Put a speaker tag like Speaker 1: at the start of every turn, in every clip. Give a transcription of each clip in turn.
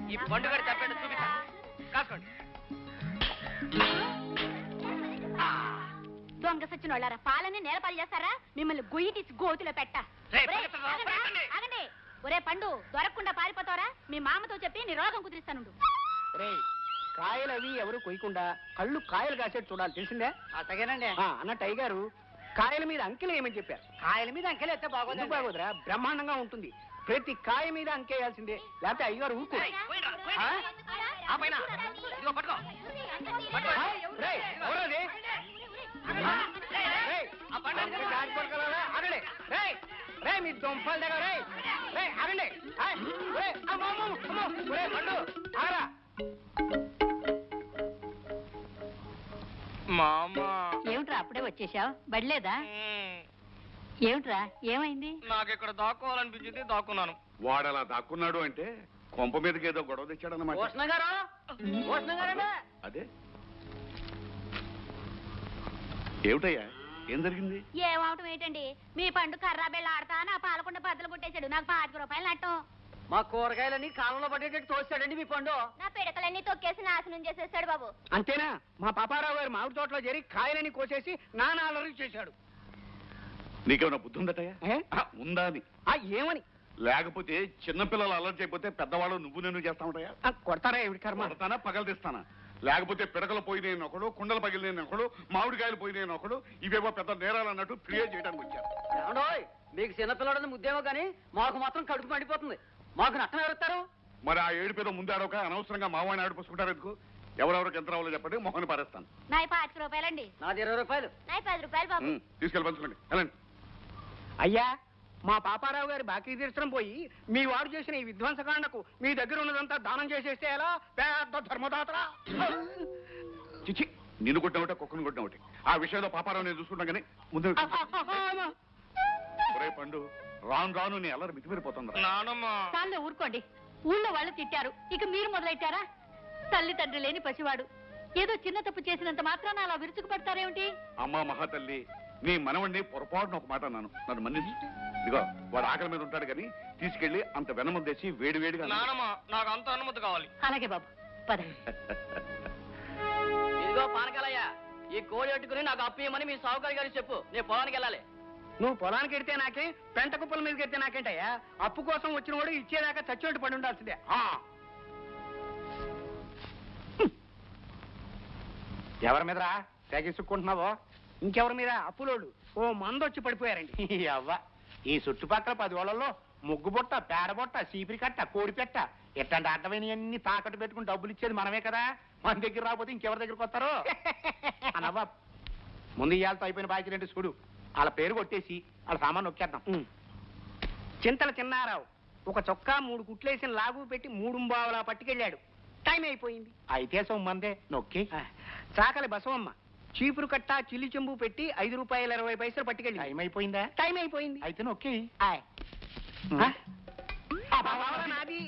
Speaker 1: ఈ పండుగ తప్పేట చూపిస్తా కాసుకోండి.
Speaker 2: దొంగ సచ్చిన వాళ్ళారా పాలని నేలపాలు చేస్తారా? మిమ్మల్ని గొయ్యి తీసి గోతులో పెట్ట. ఆగండి. ఒరే పండు దొరకకుండా పారిపోతావరా? మీ మామతో చెప్పి నీ రోగం కుదిరిస్తానుండు.
Speaker 3: కాయలు అవి ఎవరు కొయ్యకుండా కళ్ళు కాయలు కాసేట్టు చూడాలి, తెలిసిందే?
Speaker 1: అతగేనండి.
Speaker 3: అన్నట్టు అయ్యగారు కాయల మీద అంకెలు ఏమని చెప్పారు.
Speaker 1: కాయల మీద అంకెలు ఎత్తే
Speaker 3: బాగోదురా, బ్రహ్మాండంగా ఉంటుంది. ప్రతి కాయ మీద అంకేయాల్సిందే, లేకపోతే అయ్యగారు ఊరుకో. మీ దొంపల దగ్గర ఆగండి. పండు ఆగరా.
Speaker 2: ఏమిట్రా అప్పుడే వచ్చేసావు? బడిలేదా? ఏమిట్రా ఏమైంది?
Speaker 1: నాకు ఇక్కడ దాక్కోవాలనిపించింది, దాక్కున్నాను.
Speaker 4: వాడు అలా దాక్కున్నాడు అంటే కొంప మీదకి ఏదో గొడవ తెచ్చాడన్నమాట. అదే ఏమిటయ్యా, ఏం జరిగింది?
Speaker 2: ఏమవటం ఏంటండి, మీ పండు కర్రా బెళ్ళ ఆడతా నా పాలకొండ బద్దలు కొట్టేశాడు. నాకు 25 రూపాయలు నట్టం.
Speaker 1: మా కూరగాయలన్నీ కాలంలో పడేటట్టు తోస్తాడండి మీ పండు.
Speaker 2: నా పిడకలన్నీ తొక్కేసి నాశనం చేసేసాడు బాబు.
Speaker 3: అంతేనా? మా పాపారావు గారు మామిడి తోటలో చేరి కాయలని కోసేసి నానా అలరి చేశాడు.
Speaker 4: నీకేమైనా బుద్ధి ఉందటయ్యా? ఉందా అని.
Speaker 3: ఏమని?
Speaker 4: లేకపోతే చిన్నపిల్లలు అలర్ట్ అయిపోతే పెద్దవాళ్ళు నువ్వు నేను చేస్తా ఉంటాయా?
Speaker 3: కొడతారా ఏమిటి కర్మ?
Speaker 4: కొడతానా, పగలదీస్తానా? లేకపోతే పిడకలు పోయినాయని ఒకడు, కుండలు పగిలినాయని ఒకడు, మామిడికాయలు పోయినాయని ఒకడు, ఇవేవో పెద్ద నేరాలు అన్నట్టు క్రియేట్ చేయడానికి వచ్చారు.
Speaker 1: ఏమండోయ్, మీకు చిన్నపిల్లడని ముద్దేమో కానీ మాకు మాత్రం కడుపు మండిపోతుంది. మాకు నష్టం ఎవరుస్తారు?
Speaker 4: మరి ఆ ఏడు పేద ముందాడొక అనవసరంగా మావాడిని ఆడిపోసుకుంటారు ఎందుకు? ఎవరెవరికి ఎంత రావాలో చెప్పండి, మొహన్ పారేస్తాను.
Speaker 2: నాయి 25 రూపాయలండి.
Speaker 1: నాది 20 రూపాయలు.
Speaker 2: నాయి 10 రూపాయలు బాబు.
Speaker 4: తీసుకెళ్ళి పంచుకోండి, వెళ్ళండి.
Speaker 3: అయ్యా, మా పాపారావు గారి బాకీ తీర్చడం పోయి మీ వాడు చేసిన ఈ విధ్వంసకాండకు మీ దగ్గర ఉన్నదంతా దానం చేసేస్తే ఎలా? పెద్ద ధర్మదాతరా.
Speaker 4: చిచి, నిన్ను కొట్టిన ఒకటి, కుక్కను కొట్టిన ఒకటి. ఆ విషయంలో పాపారావు నేను చూసుకుంటాం కానీ ముందు పండు రాను రాను నీ అల్లరి మితిమీరిపోతుంది.
Speaker 2: చాలే ఊరుకోండి. ఊళ్ళో వాళ్ళు తిట్టారు, ఇక మీరు మొదలెట్టారా? తల్లి తండ్రి లేని పసివాడు ఏదో చిన్న తప్పు చేసినంత మాత్రాన అలా విరుచుకు పడతారేమిటి?
Speaker 4: అమ్మా మహాతల్లి, నీ మనవణ్ణి పొరపాటున ఒక మాట అన్నాను, నన్ను మన్నించు. ఇదిగో వాడు ఆకలి మీద ఉంటాడు కానీ తీసుకెళ్లి అంత వెనముద్దేసి వేడి వేడిగా.
Speaker 1: నాకు అంత అనుమతి కావాలి.
Speaker 2: అలాగే బాబు, పద.
Speaker 1: ఇదిగో పానకాలయ్య, ఈ కోడి పెట్టుకుని నాకు అప్పు ఇవ్వమని మీ సావుకారి గారికి చెప్పు. నేను పొలానికి వెళ్ళాలి.
Speaker 3: నువ్వు పొలానికి ఎడితే నాకే, పెంట కుప్పల మీదకి ఎడితే నాకేంటయ్యా? అప్పు కోసం వచ్చిన వాడు ఇచ్చేదాకా చచ్చినట్టు పడి ఉండాల్సిందే. ఎవరి మీదరా తెగిసుక్కుంటున్నావో? ఇంకెవరి మీద? అప్పులోడు ఓ మందొచ్చి పడిపోయారండి. అవ్వ, ఈ చుట్టుపక్కల 10 ఓళ్లలో ముగ్గుబుట్ట, పేడబుట్ట, సీపిరి కట్ట, కోడిపెట్ట ఎట్లాంటి అడ్డమైనవన్నీ తాకట్టు పెట్టుకుని డబ్బులు ఇచ్చేది మనమే కదా. మన దగ్గర రాకపోతే ఇంకెవరి దగ్గరకు వస్తారు? అనవ్వ, ముందు ఇయ్యాలతో అయిపోయిన బాకీ రెండు చూడు. వాళ్ళ పేరు కొట్టేసి వాళ్ళ సామాన్ నొక్కేద్దాం. చింతల చిన్నారావు ఒక చొక్కా 3 కుట్లేసిన లాగు పెట్టి 3 బావులా పట్టుకెళ్ళాడు. టైం అయిపోయింది. అయితే సొమ్మందే నొక్కి. చాకలి బసవమ్మ చీపురు కట్ట, చిల్లి చెంబు పెట్టి 5 రూపాయల 20 పైసలు పట్టుకెళ్ళి. టైం అయిపోయిందా? టైం అయిపోయింది. అయితే నొక్కి. నాది.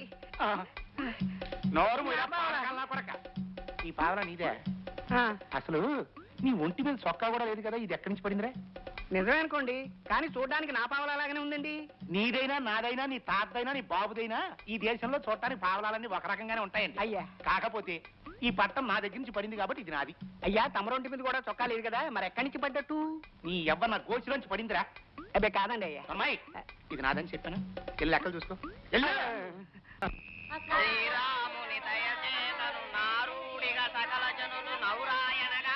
Speaker 3: నోరు కొరక. ఈ పావలా నీదే? అసలు నీ ఒంటి మీద చొక్కా కూడా లేదు కదా, ఇది ఎక్కడి నుంచి పడిందిరా? నిజమే అనుకోండి, కానీ చూడడానికి నా పావలాగానే ఉందండి. నీదైనా నాదైనా నీ తాతదైనా నీ బాబుదైనా ఈ దేశంలో చూడటానికి పావలాలన్నీ ఒక రకంగానే ఉంటాయండి. అయ్యా, కాకపోతే ఈ పట్టం నా దగ్గర నుంచి పడింది కాబట్టి ఇది నాది. అయ్యా, తమరొంటి మీద కూడా చొక్కా లేదు కదా, మరి ఎక్కడి నుంచి పడ్డట్టు? నీ ఎవ్వ నా గోచిలోంచి పడిందిరా. అబ్బే కాదండి అయ్యా. అమ్మాయి, ఇది నాదని చెప్పాను. వెళ్ళి లెక్కలు చూసుకో.
Speaker 1: శ్రీరాముని దయచేతను నారుడిగా సకల జనులు నౌరాయనగా.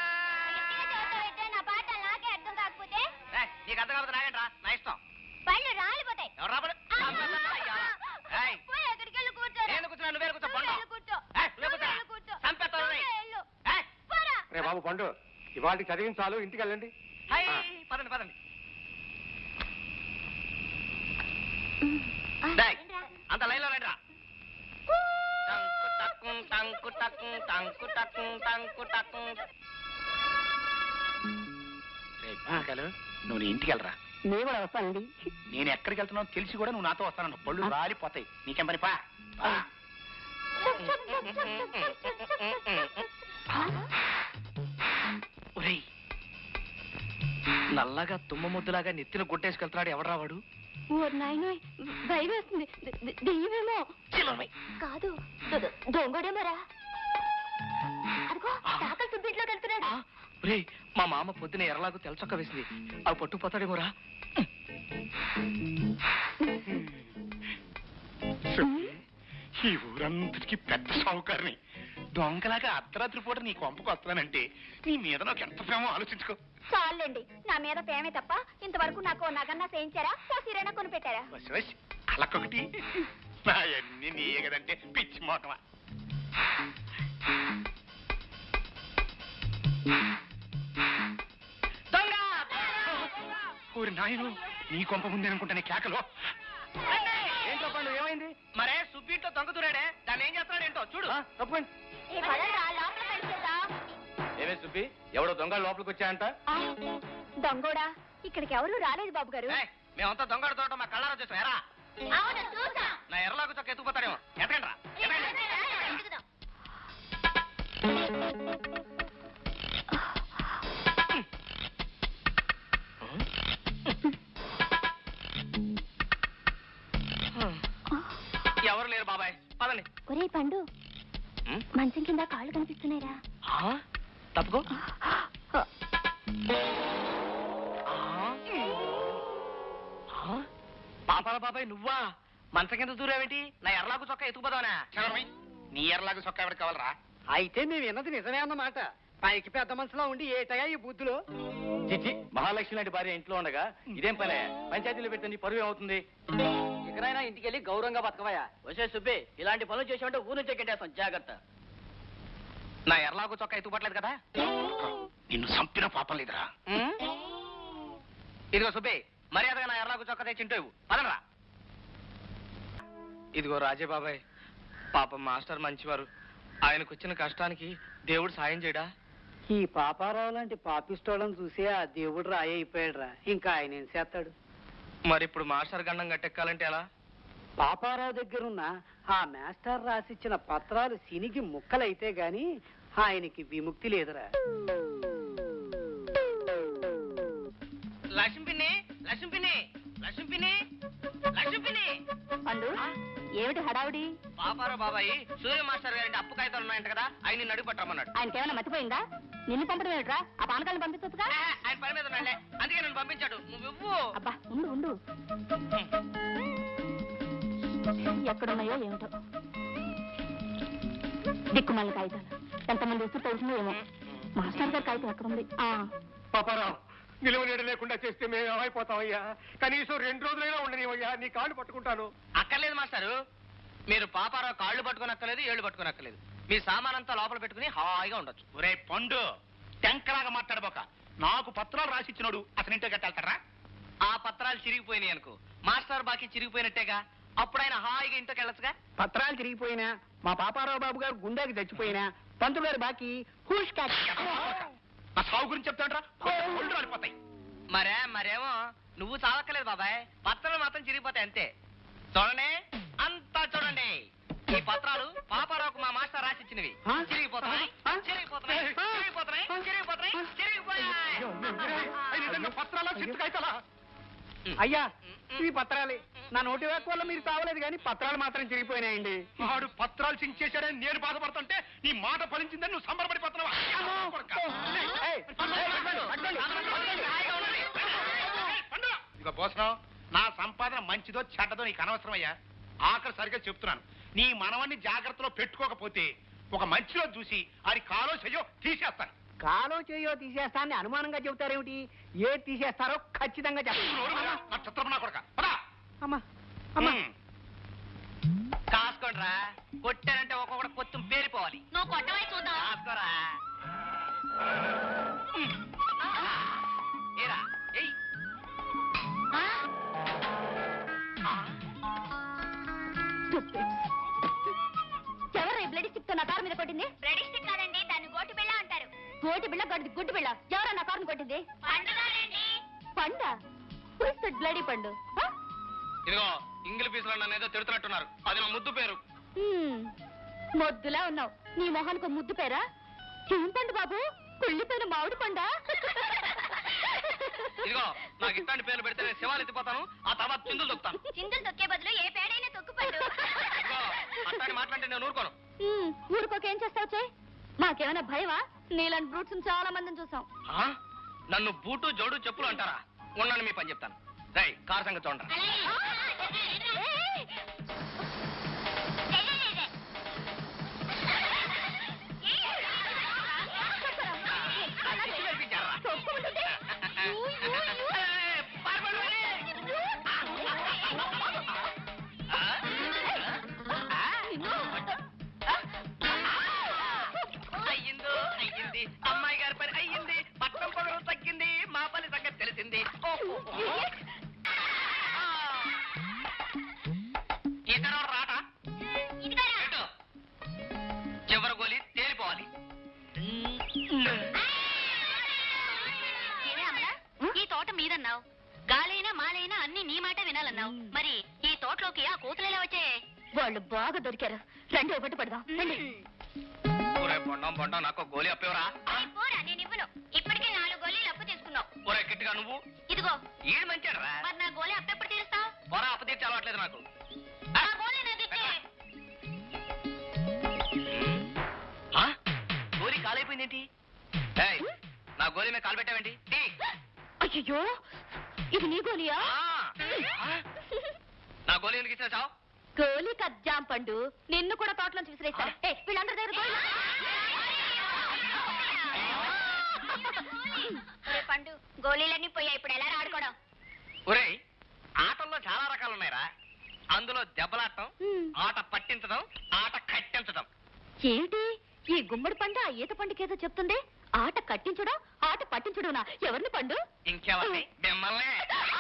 Speaker 2: నా పాట నాకే అర్థం కాకపోతే
Speaker 1: నీకు అర్థం కాకపోతే నాగంట్రా, నా ఇష్టం.
Speaker 2: పళ్ళు రాలిపోతాయి.
Speaker 1: ఎవరు రాబడు? నేను కూర్చున్నా, నువ్వే కూర్చో.
Speaker 3: రే బాబు పండు, ఇవాళ చదివించాలు, ఇంటికి వెళ్ళండి.
Speaker 1: పదండి పదండి. అంత లైన్లో రండిరా. టంకు టక్కు టంకు టక్కు టంకు టక్కు.
Speaker 3: నువ్వు నీ ఇంటికి వెళ్ళరా. నేను కూడా వస్తానండి. నేను ఎక్కడికి వెళ్తున్నావు తెలిసి కూడా నువ్వు నాతో వస్తాను. పళ్ళు రాలిపోతాయి. నీకేం పని పా.
Speaker 1: నల్లగా తుమ్మ ముద్దులాగా నెత్తిన గుట్టేసుకెళ్తున్నాడు ఎవడు రావాడు?
Speaker 2: నాయన భయం వేస్తుంది దెయ్యమేమో కాదు దొంగడేమరా అదిగో తాకలు సుబ్బింట్లోకి వెళ్తున్నాడు.
Speaker 5: మా మామ పొద్దున ఎర్రలాగు తెల్లచొక్క వేసింది అవి పట్టుకుపోతాడేమోరా.
Speaker 3: ఈ ఊరంతటికి పెద్ద సావుకారిని దొంగలాగా అర్ధరాత్రి పూట నీ కొంపకు వస్తానంటే నీ మీద నాకు ఎంత ప్రేమో ఆలోచించుకో.
Speaker 2: చాలండి, నా మీద ప్రేమే తప్ప ఇంతవరకు నాకు నగన్నా చేయించారా సీరైనా కొనిపెట్టారా?
Speaker 3: అలకొకటి నాయన్ని నీయే కదంటే పిచ్చి మోటమా. ఊరి నాయను నీ కొంప ముందే అనుకుంటానే కేకలో.
Speaker 5: ఏంటో పండు ఏమైంది? మరే సుబ్బింట్లో దొంగ దూరాడే, దాన్ని ఏం చేస్తున్నాడు ఏంటో చూడు.
Speaker 3: తప్పండి.
Speaker 5: ఏమే సుబ్బి, ఎవడో దొంగ లోపలికి వచ్చాయంట?
Speaker 2: దొంగోడా ఇక్కడికి ఎవరు రాలేదు బాబు గారు.
Speaker 5: మేమంతా దొంగ తోట మా కళ్ళారా చూసాం. ఎరా నా ఎర్రలాగు చొక్క ఎత్తుకుపోతాడేమో. ఎతకండి రా. ఎవరు లేరు బాబాయ్, పదండి.
Speaker 2: ఒరే పండు, మంచం కింద కాళ్ళు కనిపిస్తున్నాయిరా.
Speaker 5: తప్పుకో. పాపాల బాబాయ్ నువ్వా? మంచం కింద దూరేమిటి? నా ఎర్రలాగు చొక్క ఎత్తుకుపోదావనా?
Speaker 3: నీ ఎర్రలాగా సొక్క ఎవరికి కావాలరా?
Speaker 1: అయితే మేము విన్నది నిజమే అన్నమాట. పైకి పెద్ద మనసులో ఉండి ఏటయా ఈ బుద్ధులు?
Speaker 5: చిచ్చి, మహాలక్ష్మి లాంటి భార్య ఇంట్లో ఉండగా ఇదేం పనే? పంచాయతీలో పెడితే నీ పరువు ఏమవుతుంది?
Speaker 1: ఇకనైనా ఇంటికి వెళ్ళి గౌరవంగా బతకవయ్యా. వచ్చే సుబ్బి, ఇలాంటి పనులు చేసామంటే ఊరు నుంచే కెట్టేస్తాం, జాగ్రత్త.
Speaker 5: నా ఎర్రలాగు చొక్క ఎత్తుకుపట్లేదు కదా?
Speaker 3: నిన్ను చంపిన పాపం లేదురా.
Speaker 5: ఇదిగో సుబ్బి, మర్యాదగా నా ఎర్రలాగు చొక్క తెచ్చింటూ పదరా. ఇదిగో రాజే బాబాయ్, పాపం మాస్టర్ మంచివారు. ఆయనకు వచ్చిన కష్టానికి దేవుడు సాయం చేయడా?
Speaker 1: ఈ పాపారావు లాంటి పాపిస్తోళ్ళని చూసి ఆ దేవుడు రాయి అయిపోయాడురా. ఇంకా ఆయన ఏం చేస్తాడు?
Speaker 5: మరి ఇప్పుడు మాస్టర్ గండం గట్టెక్కాలంటే ఎలా?
Speaker 1: పాపారావు దగ్గరున్న ఆ మాస్టర్ రాసిచ్చిన పత్రాలు సినిగి ముక్కలైతే గాని ఆయనకి విముక్తి లేదురా.
Speaker 5: లక్ష్మిని లక్ష్మిని లక్ష్మిని లక్ష్మిని
Speaker 2: పండు ఏమిటి హడావుడి?
Speaker 5: పాపారావు బాబాయ్ సూర్య మాస్టర్ గారి అప్పు కాగితాలు ఉన్నాయంట కదా, ఆయన నిన్ను అడుగు పట్టమన్నాడు.
Speaker 2: ఆయనకేమైనా మర్చిపోయిందా? నిన్ను పంపడం ఏమిట్రా? ఆ పానకాలను పంపించొచ్చుగా.
Speaker 5: ఆయన పని మీద ఉన్నాడులే, అందుకే నన్ను పంపించాడు. నువ్వు
Speaker 2: అబ్బా ఉండు ఉండు, ఎక్కడున్నాయో ఏమిటో దిక్కుమాల కాగితాలు. ఎంతమంది వస్తూ తెలిసిందో ఏమో. మాస్టర్ గారి కాగితం ఎక్కడుంది?
Speaker 3: పాపారావు, నిలువ నీడ లేకుండా చేస్తే మేము ఏమైపోతామయ్యా? కనీసం 2 రోజులైనా ఉండనివయ్యా, నీ కాళ్ళు పట్టుకుంటాను.
Speaker 5: అక్కర్లేదు మాస్టారు, మీరు పాపారావు కాళ్ళు పట్టుకోనక్కర్లేదు, ఏళ్ళు పట్టుకోనక్కర్లేదు. మీ సామానంతా లోపల పెట్టుకుని హాయిగా ఉండొచ్చు.
Speaker 3: ఒరే పండు, టెంకలాగా మాట్లాడబోక. నాకు పత్రాలు రాసిచ్చినాడు, అతని ఇంటికి కట్టాలతారా?
Speaker 5: ఆ పత్రాలు చిరిగిపోయినాయి అనుకో, మాస్టర్ బాకీ చిరిగిపోయినట్టేగా. అప్పుడు ఆయన హాయిగా ఇంటికి వెళ్ళొచ్చుగా.
Speaker 1: పత్రాలు తిరిగిపోయినా, మా పాపారావు బాబు గారు గుండెకి చచ్చిపోయినా, పంతులు గారి బాకీ హూష్ క్యాచ్.
Speaker 3: ఆ సాగు గురించి చెప్తాడ్రా, ఒళ్ళు రాలిపోతాయి.
Speaker 5: మరేమో నువ్వు చావక్కలేదు బాబాయ్, పత్రాలు మాత్రం చిరిగిపోతాయి అంతే. చూడండి, అంతా చూడండి. ఈ పత్రాలు పాపారావుకు మా మాస్టర్ రాసిచ్చినవి. చిరిగిపోతున్నాయి చిరిగిపోతున్నాయి చిరిగిపోతున్నాయి చిరిగిపోతున్నాయి చిరిగిపోయాయి.
Speaker 3: పత్రాల చిత్తు కాగితాలా?
Speaker 1: అయ్యా, ఈ పత్రాలే. నా నోటి వేక వల్ల మీరు తావలేదు కానీ పత్రాలు మాత్రం చిరిగిపోయినాయండి.
Speaker 3: వాడు పత్రాలు చించేశాడని నేను బాధపడుతుంటే నీ మాట ఫలించిందని నువ్వు సంబరపడిపోతున్నావా? ఇక పోసనం, నా సంపాదన మంచిదో చెడ్డదో నీకు అనవసరం అయ్యా. ఆఖరి సరిగ్గా చెప్తున్నాను, నీ మనవన్ని జాగ్రత్తలో పెట్టుకోకపోతే ఒక మంచిలో చూసి అది కాలో చెయ్యో తీసేస్తాను.
Speaker 1: కాలో చేయో తీసేస్తానని అనుమానంగా చెబుతారేమిటి? ఏ తీసేస్తారో ఖచ్చితంగా
Speaker 3: నా చిత్రం నా కొడక. పద.
Speaker 1: అమ్మా అమ్మా,
Speaker 5: కాసుకోండిరా, కొట్టారంటే ఒక్కొక్కటి కొత్తం పేరిపోవాలి.
Speaker 2: నువ్వు కొట్టవై చూద్దాం.
Speaker 5: కాసుకోరా. ఏరా, ఏయ్.
Speaker 2: ఎవరు బ్లడ్ స్టిక్ తో నా కారు మీద కొట్టింది? బ్లడ్ స్టిక్ కాదండి, దాన్ని గోటి బిళ్ళ అంటారు. గోటి బిళ్ళ గడ్డి గుడ్డి బిళ్ళ. ఎవరా నా కారుని కొట్టింది? పండ? బ్లడీ పండు.
Speaker 5: ఇదిగో ఇంగిలి పీసులో నన్ను ఏదో తిడుతున్నట్టున్నారు, అది నా ముద్దు పేరు.
Speaker 2: మొద్దులా ఉన్నావు, నీ మొహానికి ముద్దు పేరా? ఏం పండు బాబు, కుళ్ళిపోయిన మామిడి పండా?
Speaker 5: ఇదిగో నాకు ఇట్లాంటి పేర్లు పెడితే నేను శివాలు ఎత్తిపోతాను, ఆ తర్వాత చిందులు తొక్కుతాను.
Speaker 2: చిందులు తొక్కే బదులు ఏ పేడైనా తొక్కుపడు.
Speaker 5: ఇదిగో అట్లాంటి మాట్లాడితే నేను ఊరుకోను.
Speaker 2: ఊరుకోకేం చేస్తావు చే? మాకేమైనా భయమా? నీలాంటి బ్రూట్స్ చాలా మందిని చూసాం.
Speaker 5: ఆ? నన్ను బూటు జోడు చెప్పులు అంటారా? ఉన్నాను మీ పని చెప్తాను. రై కారు సంగతి చూడండి. అయ్యిందో అయ్యింది, అమ్మాయి గారి పని అయ్యింది, పట్టం పొగరు తగ్గింది, మా పని సంగతి తెలిసింది. ఇతను రాట చివరి గోలి తేలిపోవాలి.
Speaker 2: ఈ తోట మీదన్నావు, గాలైనా మాలైనా అన్ని నీ మాట వినాలన్నావు. మరి ఈ తోటలోకి ఆ కోతులు వచ్చే? వాళ్ళు బాగా దొరికారు. రండి ఒకటి పడదాం.
Speaker 5: ఒరే బొండం నాకు గోలి అప్పేవరా?
Speaker 2: నేను ఇవ్వను. ఇప్పటికే 4 గోళీలు అప్పు తీసుకున్నావు.
Speaker 5: ఒరే కిట్టుగా నువ్వు
Speaker 2: ఇదిగో
Speaker 5: ఈడు మంచాడరా?
Speaker 2: మరి నా గోళీ అప్పు ఎప్పుడు తీరుస్తావు?
Speaker 5: పొరా అప్పు తీర్చి అలవాట్లేదు నాకు.
Speaker 2: ఆ గోళీ నాది ఇచ్చే.
Speaker 5: ఆ? గోలి కాలైపోయిందేంటి? ఏయ్, నా గోలి మీద కాలు పెట్టావేంటి? తీ.
Speaker 2: అయ్యో, ఇది నీ గోలియా?
Speaker 5: ఆ? నా గోలి ఎందుకు ఇచ్చిన చావు?
Speaker 2: గోలీ కజ్జాం పండు, నిన్ను కూడా తోటలోంచి విసిరేస్తారు. వీళ్ళందరి దగ్గర గోళీ. పండు, గోళీలన్నీ పోయా, ఇప్పుడు ఎలా ఆడుకోవడం?
Speaker 5: ఒరేయ్, ఆటల్లో చాలా రకాలు ఉన్నాయిరా. అందులో దెబ్బలాడటం, ఆట పట్టించడం, ఆట కట్టించడం.
Speaker 2: ఏమిటి ఈ గుమ్మడి పండు ఆ ఈత పండుకేదో చెప్తుంది? ఆట కట్టించడం, ఆట పట్టించడం. ఎవరిని పండు?
Speaker 5: ఇంకెవరిని? మిమ్మల్నే.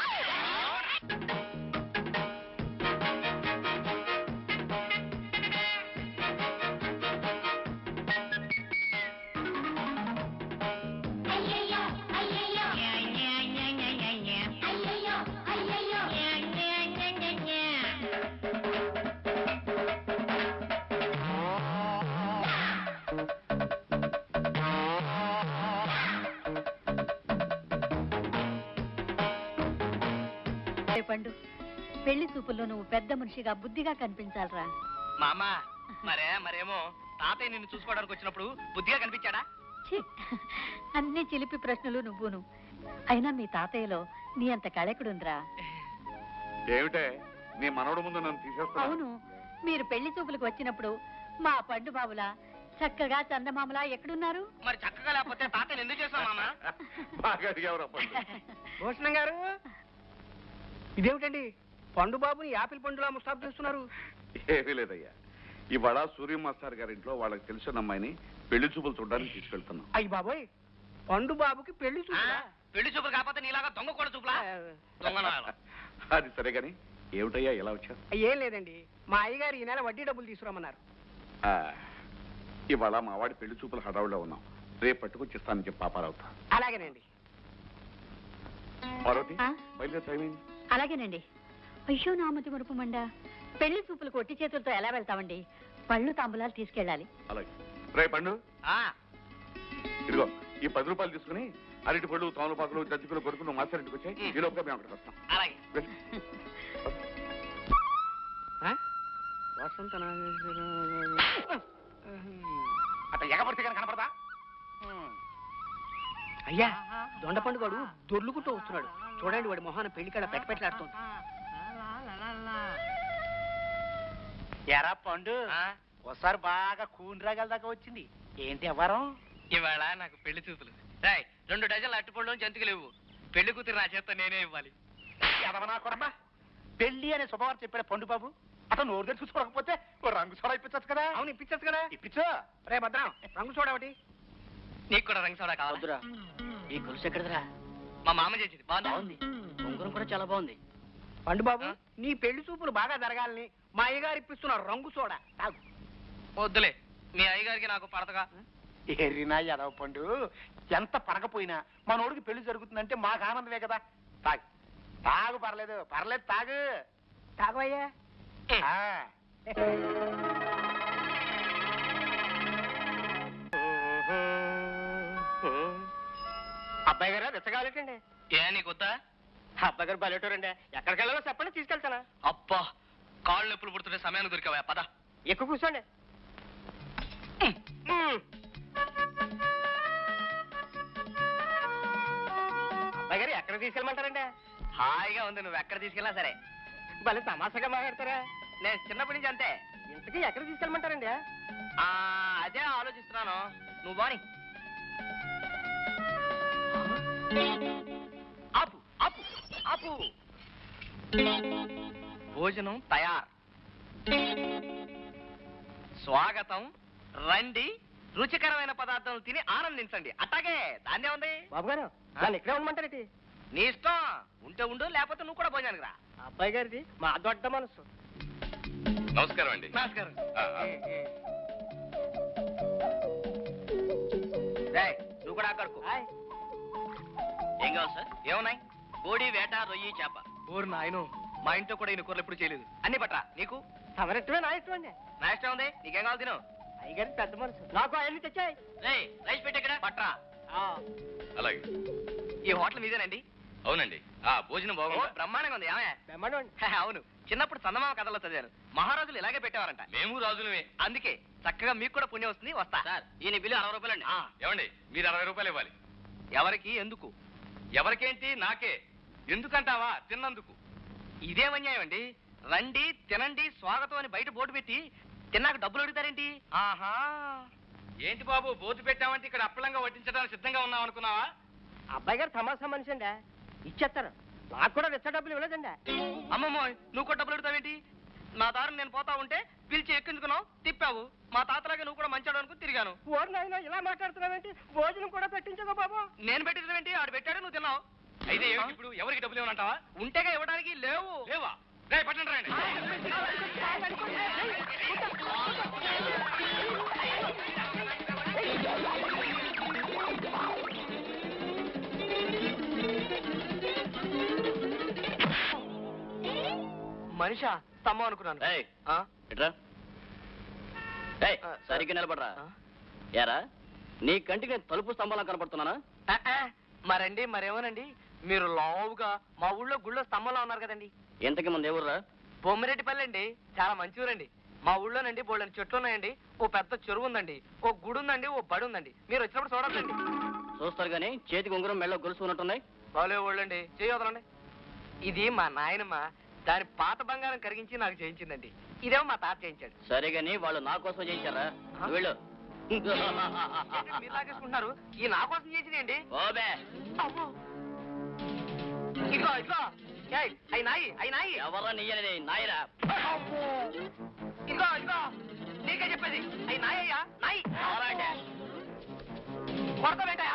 Speaker 6: పండు, పెళ్లి చూపుల్లో నువ్వు పెద్ద మనిషిగా బుద్ధిగా కనిపించాలరా.
Speaker 5: మామ మరేమో తాతయ్య నిన్ను చూసుకోవడానికి వచ్చినప్పుడు బుద్ధిగా కనిపించాడా?
Speaker 6: ఛీ, అన్ని చిలిపి ప్రశ్నలు నువ్వును. అయినా మీ తాతయ్యలో నీ అంత కళకుడుందిరా.
Speaker 4: ఏమిటే నీ మనవడు ముందు నన్ను తీసేస్తా?
Speaker 6: అవును, మీరు పెళ్లి చూపులకు వచ్చినప్పుడు మా పండు బాబులా చక్కగా చందమామలా ఎక్కడున్నారు?
Speaker 5: మరి చక్కగా లేకపోతే తాతయ్యని ఎందుకు చేస్తావు మామ?
Speaker 4: బాగా అడిగావురా పండు.
Speaker 1: భూషణం గారు, ఇదేమిటండి పండు బాబుని యాపిల్ పండులా ముస్తాబు చేస్తున్నారు?
Speaker 4: ఏమీ లేదయ్యా, ఇవాళ సూర్య మాస్టర్ గారి ఇంట్లో వాళ్ళకి తెలిసిన అమ్మాయిని పెళ్లి చూపులు చూడడానికి తీసుకెళ్తున్నాం.
Speaker 1: అయ్యి బాబోయ్, పండు బాబుకి పెళ్లి చూపులా?
Speaker 5: పెళ్లి చూపులు కాకపోతే నీలాగా దొంగ కూడా చూపులా? దొంగ.
Speaker 4: అది సరే గాని ఏమిటయ్యా ఎలా వచ్చారు?
Speaker 1: ఏం లేదండి, మా అయ్యగారు ఈ నెల వడ్డీ డబ్బులు తీసుకురమ్మన్నారు.
Speaker 4: ఇవాళ మా వాడి పెళ్లి చూపులు హడావుడిలో ఉన్నాం. రేపు పట్టుకొచ్చిస్తానని చెప్పి పాపారావుతా.
Speaker 1: అలాగేనండి.
Speaker 4: పార్వతి,
Speaker 6: ఆ?
Speaker 4: బయలుదేరి టైం అయింది.
Speaker 6: అలాగేనండి. అయ్యో నామతి మరుపు మండా, పెళ్లి చూపులకు ఒట్టి చేతులతో ఎలా వెళ్తామండి? పళ్ళు తాంబూలాలు తీసుకెళ్ళాలి.
Speaker 4: అలాగే రే పండు, ఇదిగో ఈ 10 రూపాయలు తీసుకుని అరటి పళ్ళు, తమలపాకులు, జజ్జికలు కొడుకు నువ్వు మాస్టర్ ఇంటికి వచ్చాయి. ఈ లోపల మేము అక్కడికి వస్తాం.
Speaker 5: అలాగే.
Speaker 4: వెళ్ళు.
Speaker 1: వసంత
Speaker 3: అట్లా ఎగబడితే కానీ కనపడదా?
Speaker 1: అయ్యా, దొండ పండుగడు దొర్లుకుంటూ వస్తున్నాడు. చూడండి, వాడి మొహాన పెళ్లికాడ పెట్టపెట్టలాడుతోంది.
Speaker 3: ఎరా పండు, ఒకసారి బాగా కూని రాగల దాకా వచ్చింది. ఏంటి ఎవరం?
Speaker 5: ఇవాళ నాకు పెళ్లి చూపులు. రాయ్ 2 డజన్లు అట్టుపళ్ళు జంతికలు ఇవ్వు. పెళ్లి కూతురు నా చేత నేనే ఇవ్వాలి.
Speaker 3: ఎదవనా కొడమా, పెళ్లి అనే శుభవార్త చెప్పాడు పండు బాబు. అతను నోరు తెరిచి చూసుకోకపోతే ఓ రంగు సోడా ఇప్పించచ్చు కదా.
Speaker 1: అవును, ఇప్పించచ్చు కదా.
Speaker 3: ఇప్పించు.
Speaker 1: రే భద్రం, రంగు చూడ ఒకటి.
Speaker 5: నీకు కూడా రంగు సోడా కావాలా?
Speaker 3: ఈ గొలుసు ఎక్కడదిరా?
Speaker 5: మా మామ చేసింది బాగుందా?
Speaker 3: ఉంగరం కూడా చాలా బాగుంది.
Speaker 1: పండు బాబు, నీ పెళ్లి చూపులు బాగా జరగాలని మా అయ్యగారు ఇప్పిస్తున్నారు రంగు సోడా. తాగు.
Speaker 5: వద్దులే, మీ అయ్యగారికి నాకు పడతగా.
Speaker 3: ఎర్రినా ఎదవ పండు, ఎంత పడకపోయినా మనోడికి పెళ్లి జరుగుతుందంటే మాకు ఆనందమే కదా. తాగు తాగు, పర్లేదు పర్లేదు, తాగు.
Speaker 1: తాగవయ్యా.
Speaker 3: ఆ. అబ్బాయి గారు రెచ్చగాలేటండి.
Speaker 5: ఏ నీకొద్దా?
Speaker 3: అబ్బాయి గారు బయటరండి, ఎక్కడికి వెళ్ళాలో చెప్పండి, తీసుకెళ్తానా.
Speaker 5: అబ్బా, కాళ్ళు నొప్పులు పుడుతుంటే సమయాన్ని దొరికావా? పద.
Speaker 3: ఎక్కువ కూర్చోండి. అబ్బాయి గారు ఎక్కడ తీసుకెళ్ళమంటారండి?
Speaker 5: హాయిగా ఉంది, నువ్వు ఎక్కడ తీసుకెళ్ళా సరే.
Speaker 3: భలే తమాషాగా మాట్లాడతారా.
Speaker 5: నేను చిన్నప్పటి నుంచి అంతే.
Speaker 3: ఇంతకీ ఎక్కడ తీసుకెళ్ళమంటారండి?
Speaker 5: అదే ఆలోచిస్తున్నాను. నువ్వు బాని. ఆపు ఆపు ఆపు. భోజనం తయారు. స్వాగతం, రండి. రుచికరమైన పదార్థాలు తిని ఆనందించండి. అట్టాగే, దాన్నే ఉంది.
Speaker 3: బాబు గారు నన్ను ఇక్కడే ఉండమంటారేంటి?
Speaker 5: నీ ఇష్టం, ఉంటే ఉండు, లేకపోతే నువ్వు కూడా భోజనానికి రా.
Speaker 3: అబ్బాయి గారిది మా దొడ్డ మనసు.
Speaker 4: నమస్కారం అండి.
Speaker 5: నమస్కారం. నువ్వు కూడా అక్కడకు. ఏం కావాలి సార్? ఏమున్నాయి? కోడి, వేట, రొయ్యి, చేప. ఊరు నాయను, మా ఇంట్లో కూడా ఈయన కూరలు ఎప్పుడు చేయలేదు. అన్ని పట్రా. నీకు?
Speaker 3: తమరిష్టమే నా ఇష్టం అండి.
Speaker 5: నా ఇష్టం ఉంది, నీకేం కావాలి తిను.
Speaker 3: అయ్యగారి పెద్ద మనసు. నాకు అవన్నీ తెచ్చాయి.
Speaker 5: రైస్ పెట్టి ఇక్కడ పట్రా.
Speaker 4: అలాగే.
Speaker 5: ఈ హోటల్ మీదేనండి?
Speaker 4: అవునండి. భోజనం బాగుంది.
Speaker 5: బ్రహ్మాండంగా ఉంది. ఏమే?
Speaker 3: బ్రహ్మాండం అండి.
Speaker 5: అవును, చిన్నప్పుడు చందమామ కథలో చదివాను. మహారాజులు ఇలాగే పెట్టేవారంట.
Speaker 4: మేము రాజులమే.
Speaker 5: అందుకే చక్కగా మీకు కూడా పుణ్యం వస్తుంది. వస్తా సార్. ఈయన బిల్లు 60 రూపాయలండి.
Speaker 4: ఏమండి, మీరు 60 రూపాయలు ఇవ్వాలి.
Speaker 5: ఎవరికి? ఎందుకు?
Speaker 4: ఎవరికేంటి? నాకే. ఎందుకంటావా? తిన్నందుకు.
Speaker 5: ఇదేం అన్యాయం అండి. రండి, తినండి, స్వాగతం అని బయట బోర్డు పెట్టి తిన్నాక డబ్బులు అడుగుతారేంటి?
Speaker 4: ఆహా, ఏంటి బాబు, బోర్డు పెట్టామంటే ఇక్కడ అప్పలంగా వడ్డించడానికి సిద్ధంగా ఉన్నాం అనుకున్నావా?
Speaker 3: అబ్బాయి గారు తమాషా మనిషి అండి, ఇచ్చేస్తారు. నాకు కూడా వెచ్చ డబ్బులు ఇవ్వలేదండి.
Speaker 5: అమ్మమ్మో, నువ్వు కూడా డబ్బులు అడుగుతావేంటి? నా దారిని నేను పోతా ఉంటే పిలిచి ఎక్కించుకున్నావు, తిప్పావు. మా తాతలాగే నువ్వు కూడా మంచాడు అనుకుని తిరిగాను.
Speaker 3: ఓరు నాయన, ఇలా మాట్లాడుతున్నావేంటి? భోజనం కూడా పెట్టించగా బాబు.
Speaker 5: నేను పెట్టించడం ఆడు పెట్టాడు, నువ్వు తిన్నావు.
Speaker 4: అయితే ఏమిటి ఇప్పుడు? ఎవరికి డబ్బులు ఇవ్వనంటావా?
Speaker 5: ఉంటేగా ఇవ్వడానికి. లేవు.
Speaker 4: లేవా? రే పట్టండి రండి.
Speaker 5: మనిషా తమ్మ అనుకున్నాను.
Speaker 7: సరిగ్గా నిలబడరా. ఏరా, నీ కంటికి నేను తలుపు స్తంభాలా కనపడుతున్నానా?
Speaker 5: మరండి, మరేమోనండి, మీరు లావుగా మా ఊళ్ళో గుళ్ళో స్తంభంలో ఉన్నారు కదండి.
Speaker 7: ఇంతకి ముందు ఎవరురా?
Speaker 5: బొమ్మిరెడ్డిపల్లి అండి, చాలా మంచి ఊరండి. మా ఊళ్ళోనండి బోళ్ళని చెట్లు ఉన్నాయండి, ఓ పెద్ద చెరువు ఉందండి, ఓ గుడి ఉందండి, ఓ బడి ఉందండి. మీరు వచ్చినప్పుడు చూడొద్దండి.
Speaker 7: చూస్తారు గానీ చేతికి ఉంగరం మెళ్ళో గొలుసు ఉన్నట్టున్నాయి.
Speaker 5: బాలే ఊళ్ళండి, చేయొదలండి. ఇది మా నాయనమ్మ దాని పాత బంగారం కరిగించి నాకు చేయించిందండి. ఇదేమో మా తాత చేయించాడు.
Speaker 7: సరే గానీ వాళ్ళు నా కోసం చేయించారా? వెళ్ళు.
Speaker 5: మీరు లాగేసుకుంటున్నారు. ఈ నా కోసం చేసిందండి.
Speaker 7: ఓబే,
Speaker 5: ఇదిగో ఇదిగో, అయి నాయి.
Speaker 7: ఎవరా నీయని? నాయరా.
Speaker 5: ఇదిగో ఇదిగో, నీకే చెప్పేది. అయి నాయ్యా, నాయి.
Speaker 7: ఎవరంటే?
Speaker 5: కొడతావేంట?